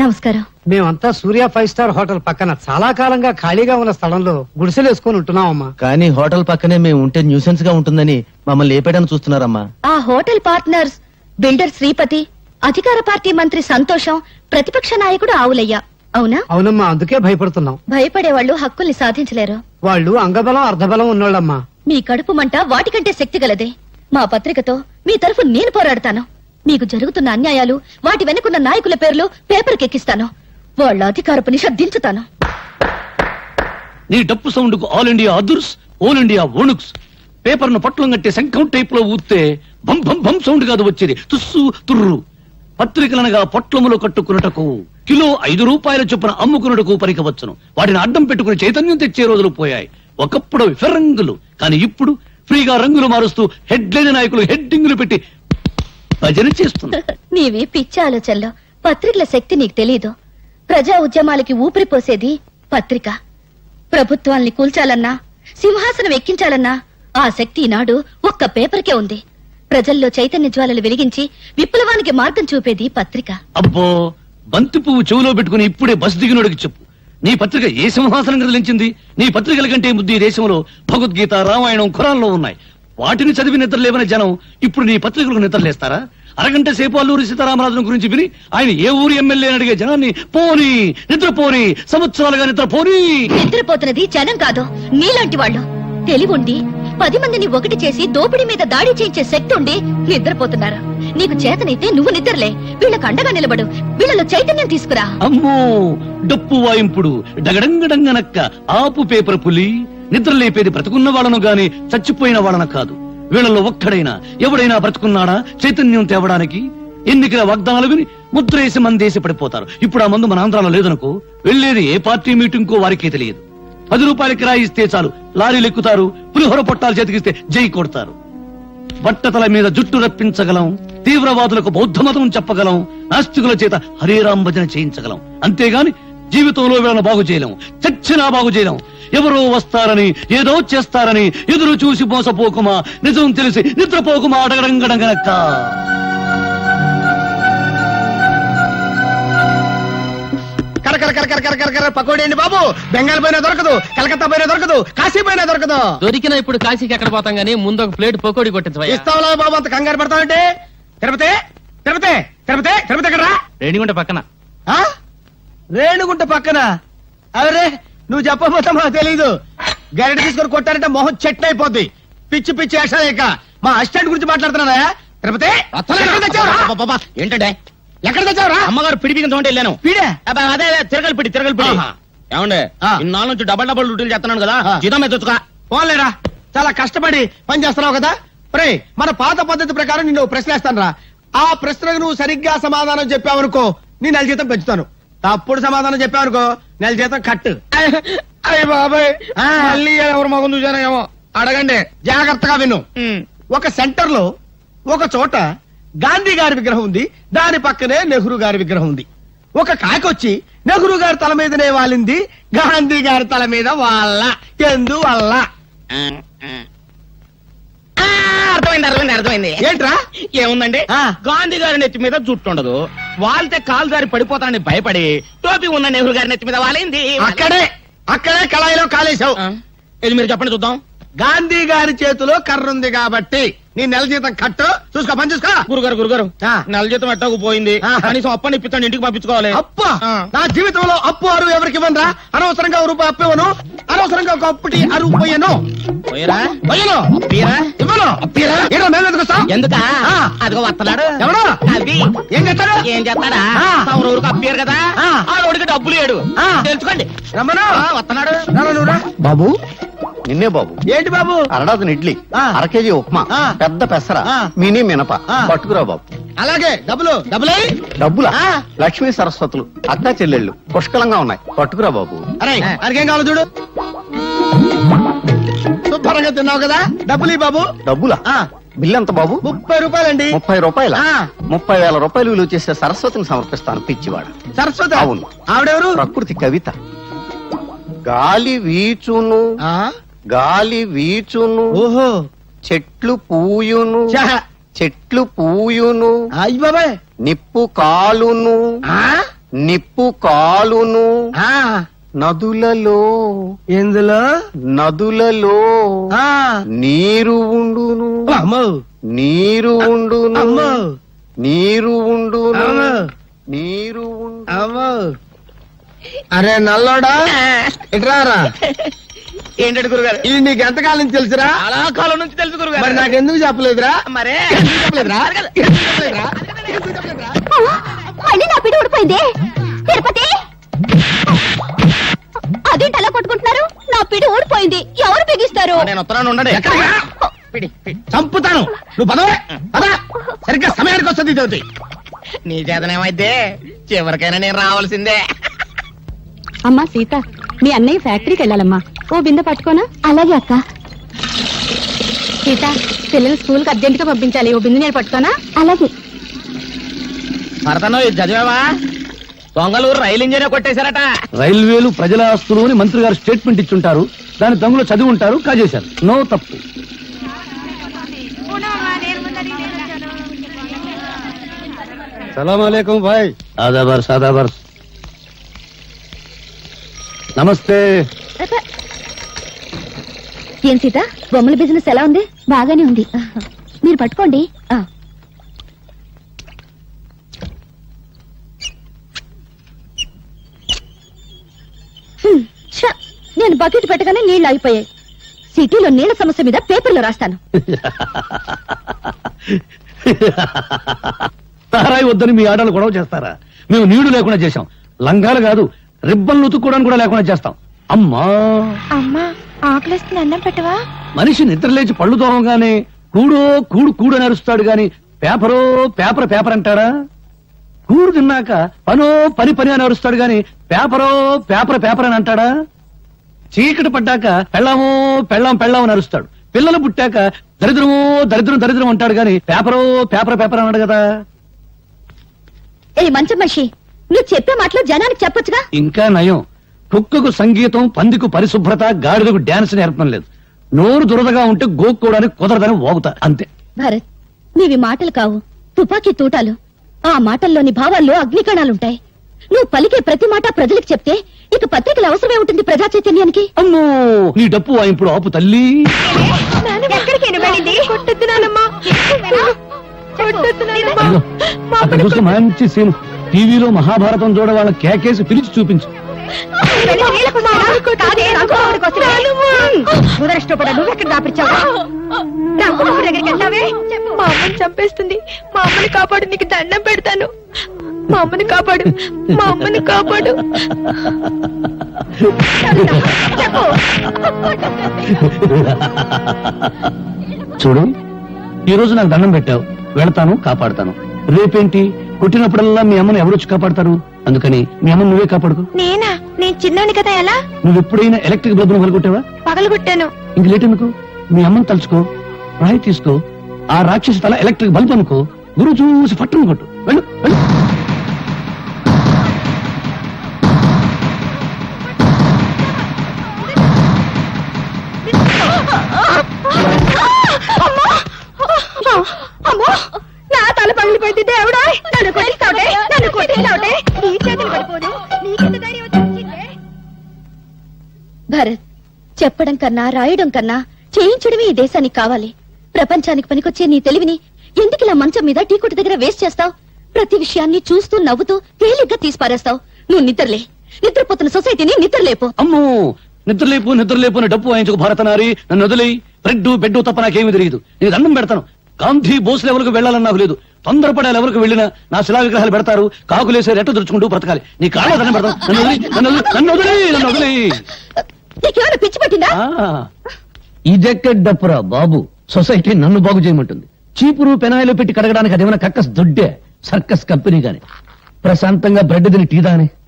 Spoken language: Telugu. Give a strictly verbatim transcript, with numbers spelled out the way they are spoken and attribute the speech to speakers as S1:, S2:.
S1: నమస్కారం.
S2: మేమంతా సూర్య ఫైవ్ స్టార్ హోటల్ పక్కన చాలా కాలంగా ఖాళీగా ఉన్న స్థలంలో గుడిసెలు వేసుకుని ఉంటున్నామమ్మా.
S3: కానీ హోటల్ పక్కనే మేము ఉంటే న్యూసెన్స్ గా ఉంటుందని మమ్మల్ని లేపేయడానికి చూస్తున్నారమ్మా.
S1: ఆ హోటల్ పార్ట్నర్స్ బిల్డర్ శ్రీపతి, అధికార పార్టీ మంత్రి సంతోషం, ప్రతిపక్ష నాయకుడు ఆవులయ్య. అవునా?
S2: అవునమ్మా, అందుకే భయపడుతున్నాం.
S1: భయపడేవాళ్లు హక్కుల్ని సాధించలేరు.
S2: వాళ్ళు అంగబలం అర్ధబలం ఉన్నోళ్ళమ్మా.
S1: మీ కడుపు మంట వాటికంటే శక్తి గలదే. మా పత్రికతో మీ తరఫు నేను పోరాడతాను. మీకు జరుగుతున్న అన్యాయాలు, వాటి వెనుకున్న నాయకుల పేర్లు పేపర్కి ఎక్కిస్తాను. వాళ్ళ అధికారపు నిష దించుతాను.
S4: నీ డప్పు సౌండ్ కు ఆల్ ఇండియా అదుర్స్, ఆల్ ఇండియా ఓణుక్స్. పేపర్ ను పట్లం కట్టి శంఖం టైప్ లో ఊస్తే భం భం భం సౌండ్ కాదు వచ్చేది, తుస్సు తుర్రు. పత్రికలనగా పొట్లములు కట్టుకున్నటకు కిలో ఐదు రూపాయల చొప్పున అమ్ముకున్నటకు పరికవచ్చును. వాటిని అడ్డం పెట్టుకుని చైతన్యం తెచ్చే రోజులు పోయాయి. ఒకప్పుడు ఫిరంగులు, కానీ ఇప్పుడు ఫ్రీగా రంగులు మారుస్తూ హెడ్లైన్ నాయకులు హెడ్డింగులు పెట్టి భజన చేస్తున్నా.
S1: నీవే పిచ్చి ఆలోచనలో. పత్రికల శక్తి నీకు తెలీదు. ప్రజా ఉద్యమాలకి ఊపిరి పోసేది పత్రిక. ప్రభుత్వాల్ని కూల్చాలన్నా, సింహాసనం ఎక్కించాలన్నా ఆ శక్తి ఈనాడు ఒక్క పేపర్కే ఉంది. ప్రజల్లో చైతన్య జ్వాలలు వెలిగించి విప్లవానికి మార్గం చూపేది పత్రిక.
S4: అబ్బో, బంతి పువ్వు చెవులో పెట్టుకుని ఇప్పుడే బస్ దిగినోడికి చెప్పు, నీ పత్రిక ఏ సింహాసనం కదిలించింది? నీ పత్రికల కంటే ముద్దు ఈ దేశంలో భగవద్గీత, రామాయణం, ఖురాన్లో ఉన్నాయి. వాటిని చదివి నిద్రలేవని జనం ఇప్పుడు నీ పత్రికలకు నిద్రలేస్తారా? అరగంట సేపు అల్లూరి సీతారామరాజును గురించి విని ఆయన ఏ ఊరి ఎమ్మెల్యే అని అడిగే జనాన్ని పోనీ నిద్రపోని, సంవత్సరాలుగా నిద్రపోని.
S1: నిద్రపోతున్నది జనం కాదు, నీలాంటి వాళ్ళు. తెలివుండి పది మందిని ఒకటి చేసి దోపిడీ మీద దాడి చేయించే శక్తి ఉండి నిద్రపోతున్నారు. నీకు చేతనైతే నువ్వు నిద్రలే, వీళ్ళకు అండగా నిలబడు, వీళ్ళలో చైతన్యం తీసుకురా.
S4: అమ్మో, డప్పు వాయింపుడు డగడంగడంగనక్క ఆపు పేపర్ పులి. నిద్ర లేపేది బ్రతుకున్న వాళ్ళను గాని చచ్చిపోయిన వాళ్ళను కాదు. వీళ్ళలో ఒక్కడైనా ఎవడైనా బ్రతుకున్నాడా చైతన్యం తేవడానికి? ఎన్నికల వాగ్దానాలు విని ముద్రేసి మందేసి పడిపోతారు. ఇప్పుడు ఆ మందు మన ఆంధ్రాలో లేదనుకో, వెళ్లేది ఏ పార్టీ మీటింగ్ కో వారికే తెలియదు. పది రూపాయల కిరాయి ఇస్తే చాలు లారీలు ఎక్కుతారు, పులిహోర పొట్టాలు చేతికిస్తే జై కొడతారు. బట్టతల మీద జుట్టు రప్పించగలం, తీవ్రవాదులకు బౌద్ధ మతం చెప్పగలం, నాస్తికుల చేత హరేరాం భజన చేయించగలం. అంతేగాని జీవితంలో వీళ్ళను బాగు చేయలేం, చచ్చినా బాగు చేయలేం. ఎవరో వస్తారని, ఏదో చేస్తారని ఎదురు చూసి మోసపోకుమా, నిజం తెలిసి నిద్రపోకుమా. అడగడంగడంగనక్క
S2: పకోడీ అండి బాబు. బెంగాల్ పైన దొరకదు, కలకత్తా పైన దొరకదు, కాశీ పైన దొరకదు.
S5: దొరికిన ఇప్పుడు కాశీకి ఎక్కడ పోతాం గానీ ముందు ఒక ప్లేట్ పకోడీ కొట్టించవా.
S2: ఇస్తావులా బాబు, అంత కంగారు పడతావంటే. తిరుపతి తిరుపతి తిరుపతి తిరుపతి ఎక్కడ?
S5: రేణిగుంట పక్కన.
S2: రేణుగుంట పక్కన? అరే, నువ్వు చెప్పబోతా మాకు తెలీదు. గరిట తీసుకొని కొట్టారంటే మొహం చెట్టు అయిపోద్ది. పిచ్చి పిచ్చి వేషాలేక మా అసిస్టెంట్ గురించి మాట్లాడుతున్నా. తిరుపతి
S5: ఏంటంటే
S2: ఎక్కడ తెచ్చావురా?
S5: అమ్మగారు పిడి బిగిన తోంటే వెళ్ళాను.
S2: పీడే?
S5: అదే తిరగలి పిడి తిరగలి పిడి. ఏమండే, ఇన్నాళ్ళ నుంచి డబల్ డబల్ డ్యూటీలు చేస్తున్నాను కదా, జీతం మీద తెచ్చుకా.
S2: పోలేరా, చాలా కష్టపడి పని చేస్తున్నావు కదా. రే, మన పాత పద్ధతి ప్రకారం నిన్ను ప్రశ్నిస్తాను రా. ఆ ప్రశ్నకు నువ్వు సరిగ్గా సమాధానం చెప్పావనుకో, నీ నెల జీతం పెంచుతాను. తప్పుడు సమాధానం చెప్పావనుకో, నెల జీతం కట్టు.
S5: అయ్య బాబాయ్, మళ్ళీ ఎవరు మగం చూసానో ఏమో.
S2: అడగండి, జాగ్రత్తగా విను. ఒక సెంటర్ లో ఒక చోట గాంధీ గారి విగ్రహం ఉంది, దాని పక్కనే నెహ్రూ గారి విగ్రహం ఉంది. ఒక కాకొచ్చి నెహ్రూ గారి తల మీదనే వాలింది, గాంధీ గారి తల మీద వాళ్ళ. ఎందువల్ల?
S5: అర్థమైంది అర్థమైంది అర్థమైంది.
S2: ఏంట్రా?
S5: ఏముందండి, గాంధీ గారి నెత్తి మీద జుట్టు ఉండదు, వాళ్తే కాలు దారి పడిపోతానని భయపడి టోపీ ఉన్న నెహ్రూ గారి నెత్తి మీద వాలింది.
S2: అక్కడే అక్కడే కళాయిలో కాలేశావు.
S5: ఇది మీరు చెప్పండి చూద్దాం.
S2: గాంధీ గారి చేతిలో కర్ర ఉంది కాబట్టి నీ నెల జీతం కట్టు. చూసుకో, పని చూసుకో.
S5: గురుగారు గురుగారు
S2: ఆ.
S5: నెల జీతం ఎట్టాకు పోయింది, కనీసం అప్పని ఇప్పించండి, ఇంటికి పంపించుకోవాలి.
S2: అప్పు?
S5: ఆ.
S2: నా జీవితంలో అప్పు అరువు ఎవరికి ఇవ్వనురా. అనవసరంగా ఒక రూపాయి అప్పు ఇవ్వను, అనవసరంగా ఒక అప్పుటి అరువు పోయాను.
S5: పోయరా
S2: పోయాను,
S5: అప్పీరా
S2: ఇవ్వను.
S5: అప్పీరా
S2: ఏంటో మేము ఎందుకు వస్తాం?
S5: ఎందుకా?
S2: ఆ.
S5: అదిగో వస్తున్నాడు.
S2: ఎవడు?
S5: అది
S2: ఏం చేస్తాడు?
S5: ఏం చేస్తాడా?
S2: ఆ.
S5: తమరు ఊరికి అప్పారు కదా,
S2: ఆ.
S5: ఆ రోడ్డుకి డబ్బులు ఏడు
S2: ఆ.
S5: తెలుసుకోండి.
S2: రమ్మను.
S5: ఆ, వస్తున్నాడు.
S2: రారా నువ్వురా.
S3: బాబు, నిన్నే బాబు.
S2: ఏంటి బాబు?
S3: అరడాదిన ఇడ్లీ,
S2: ఆ.
S3: అర కేజీ ఉప్మా,
S2: ఆ.
S3: పెద్ద పెసర,
S2: ఆ.
S3: మినీ మినప
S2: ఆ.
S3: పట్టుకురా బాబు.
S2: అలాగే డబ్బులు డబ్బులే.
S3: డబ్బులా?
S2: ఆ.
S3: లక్ష్మీ సరస్వతులు, అక్కా చెల్లెళ్ళు పుష్కలంగా ఉన్నాయి, పట్టుకురా బాబు.
S2: అరే, అరికేం కావాలి చూడు. శుభ్రంగా తిన్నావు కదా, డబ్బులు బాబు.
S3: డబ్బులా?
S2: ఆ.
S3: బిల్ ఎంత బాబు?
S2: ముప్పై రూపాయలండి.
S3: ముప్పై రూపాయల?
S2: ఆ.
S3: ముప్పై వేల రూపాయలు విలువ చేసే సరస్వతిని సమర్పిస్తాను పిచ్చివాడు.
S2: సరస్వతి?
S3: అవును.
S2: ఆవిడెవరు?
S3: ప్రకృతి కవిత. గాలి వీచును,
S2: ఆ?
S3: గాలి వీచును,
S2: ఓహో,
S3: చెట్లు పూయును,
S2: ఛ.
S3: చెట్లు పూయును,
S2: అయ్య బాబాయ్.
S3: నిప్పు కాలును,
S2: ఆ?
S6: నిప్పు కాలును
S2: ఆ
S6: నదులలో
S2: ఎందులో
S6: నదులలో
S2: ఆ
S6: నీరు ఉండును
S2: అమ్మో
S6: నీరు ఉండును
S2: అమ్మో
S6: నీరు ఉండును
S2: అమ్మో
S6: నీరు ఉండు
S2: అమ్మో అరే నల్లోడా ఇట్రారా
S5: ఏంటంటే గురుగారు
S2: ఇది నీకు ఎంతకాలం తెలుసురా
S5: చాలా కాలం నుంచి తెలుసు
S2: మరి
S5: గురుగారు.
S2: నాకెందుకు చెప్పలేదురా
S5: మరే
S2: ఎందుకు చెప్పలేదురా ఎందుకు చెప్పలేదురా? ఎందుకు చెప్పలేదురా?
S1: మళ్ళీ నా పిడి ఊడిపోయింది తిరుపతి అదేంటి అలా కొట్టుకుంటున్నారు నా పిడి ఊడిపోయింది ఎవరు బిగిస్తారు
S5: నేను ఉత్తరాన్ని ఉండండి
S2: ఎక్కడికి రా?
S5: పిడి, పిడి.
S2: చంపుతాను నువ్వు పదవే పద సరిగ్గా సమయానికి వస్తుంది ఇది
S5: నీ చేతనేమైతే చివరికైనా నేను రావాల్సిందే.
S1: అమ్మా సీత మీ అన్నయ్య ఫ్యాక్టరీకి వెళ్ళాలమ్మా ఓ బిందె పట్టుకోనా అలాగే అక్క సీత పిల్లలు స్కూల్ కి అర్జెంట్ గా పంపించాలి ఓ బిందె నేను పట్టుకోనా అలాగే
S5: భరతను ఇది చదివావా దొంగలూరు రైలు ఇంజనే కొట్టేశారట.
S4: రైల్వేలు ప్రజల ఆస్తులు అని మంత్రి గారు స్టేట్మెంట్ ఇచ్చుంటారు. దాని దొంగలు చదివి ఉంటారు, కాజేశారు. నో తప్పు.
S3: సలాం భాయ్.
S4: ఆదాబర్ సాదాబర్. నమస్తే.
S1: ఏం సీత బొమ్మల బిజినెస్ ఎలా ఉంది బాగానే ఉంది మీరు పట్టుకోండి ఆ. హ్మ్, ఛ, నేను బకెట్ పెట్టగానే నీళ్లు ఆగిపోయాయి సిటీలో నీళ్ల సమస్య మీద పేపర్లో రాస్తాను
S4: తారాయి వద్దని మీ ఆడలు గొడవ చేస్తారా? మేము నీళ్లు లేకుండా చేశాం. లంగాలు కాదు రిబ్బన్లు ఉతుక్కోవడానికి కూడా లేకుండా చేస్తాం. అమ్మా
S1: అమ్మా ఆకలిస్తుంది అన్నం పెట్టవా
S4: మనిషి నిద్రలేచి పళ్ళు తోమగానే కూడో కూడు కూడు అని అరుస్తాడు గాని పేపరో పేపర్ పేపర్ అంటాడా? కూడు తిన్నాక పనో పని పని అని అరుస్తాడు గాని పేపరో పేపర్ పేపర్ అని అంటాడా? చీకటి పడ్డాక పెళ్ళామో పెళ్ళాం పెళ్ళాం అని అరుస్తాడు. పిల్లలు పుట్టాక దరిద్రమో దరిద్రం దరిద్రం అంటాడు గాని పేపరో పేపర్ పేపర్ అన్నాడు కదా.
S1: ఏ మంచి మనిషి నువ్వు చెప్పే మాటలు జనానికి చెప్పొచ్చుగా
S4: ఇంకా నయం, కుక్కకు సంగీతం, పందికు పరిశుభ్రత, గాడిదకు డాన్స్ నేర్పడం లేదు. నోరు దురదగా ఉంటే గోక్కోవడానికి కుదరదని ఓగుతా అంతే.
S1: భరత్ నీవి మాటలు కావు తుపాకీ తూటాలు. ఆ మాటల్లోని భావాల్లో అగ్నికణాలుంటాయి. నువ్వు పలికే ప్రతి మాట ప్రజలకు చెప్తే ఇక పత్రికల అవసరమే ఉంటుంది ప్రజా చైతన్యానికి.
S4: అమ్మో నీ డప్పు ఇప్పుడు ఆపు తల్లి. అదిగో, అక్కడ చూస్తే మంచి సీన్. టీవీలో మహాభారతం చూడ వాళ్ళ కేకేసి పిలిచి చూపించు.
S7: మా అమ్మని చంపేస్తుంది. మా అమ్మని కాపాడు, నీకు దండం పెడతాను. మా అమ్మని కాపాడు, మా అమ్మని కాపాడు.
S4: చూడు ఈ రోజు నాకు దండం పెట్టావు, వెళతాను, కాపాడతాను. రేపేంటి కొట్టినప్పుడల్లా మీ అమ్మని ఎవరొచ్చి కాపాడతారు? అందుకని మీ అమ్మని నువ్వే కాపాడుకో.
S7: నేనా? నేను చిన్నోని కదా, ఎలా
S4: నువ్వు ఎప్పుడైనా ఎలక్ట్రిక్ బల్బును పగలగొట్టావా?
S7: పగలగొట్టాను.
S4: ఇంక లేట్ ఎందుకు? మీ అమ్మని తలుచుకో, రాయి తీసుకో, ఆ రాక్షసి తల ఎలక్ట్రిక్ బల్బ్ అనుకో, గురువు చూసి పట్టును కొట్టు. వెళ్ళు వెళ్ళు.
S7: అమ్మో, నా తల పగిలిపోయింది. దేవుడా, నన్ను కొట్టిస్తావుటే, నన్ను కొట్టిస్తావుటే. నీ చేతులు పడిపోను. నీకెంత ధైర్యం వచ్చిందే?
S1: భరత్ చెప్పడం కన్నా రాయడం కన్నా చేయించడమే ఈ దేశానికి కావాలి. ప్రపంచానికి పనికొచ్చే నీ తెలివిని ఎందుకు ఇలా మంచం మీద టీ కొట్టు దగ్గర వేస్ట్ చేస్తావు? ప్రతి విషయాన్ని చూస్తూ నవ్వుతూ తేలిగ్గా తీసిపారేస్తావు. నువ్వు నిద్రలే, నిద్రపోతున్న సొసైటీని నిద్రలేపు.
S4: అమ్మో నిద్రలేపు నిద్రలేపు అని డప్పు వాయించుకు భారతనారి. నన్ను వదిలి బ్రెడ్ బెడ్ తప్ప నాకేమీ తెలియదు. నేను దండం పెడతాను. గాంధీ బోస్ లెవెల్కు వెళ్ళాలని నాకు లేదు. తొందరపడే ఎవరికి వెళ్ళినా నా శిలా విగ్రహాలు పెడతారు. కాకులేసే రెట్టు దురుచుకుంటూ బ్రతకాలి. నీ కాళ్ళ దండం పెడతాను. నన్ను వదిలి నన్ను వదిలి నన్ను వదిలి నన్ను వదిలి
S1: నీకేమైనా పిచ్చి పట్టిందా?
S4: ఇదెక్కడ డప్పురా బాబు. సొసైటీ నన్ను బాగు చేయమంటుంది. చీపురు పెనాయిలు పెట్టి కడగడానికి అదేమైనా కక్కస్ దొడ్డే సర్కస్ కంపెనీ గాని. ప్రశాంతంగా బ్రెడ్ తిని టీ దాని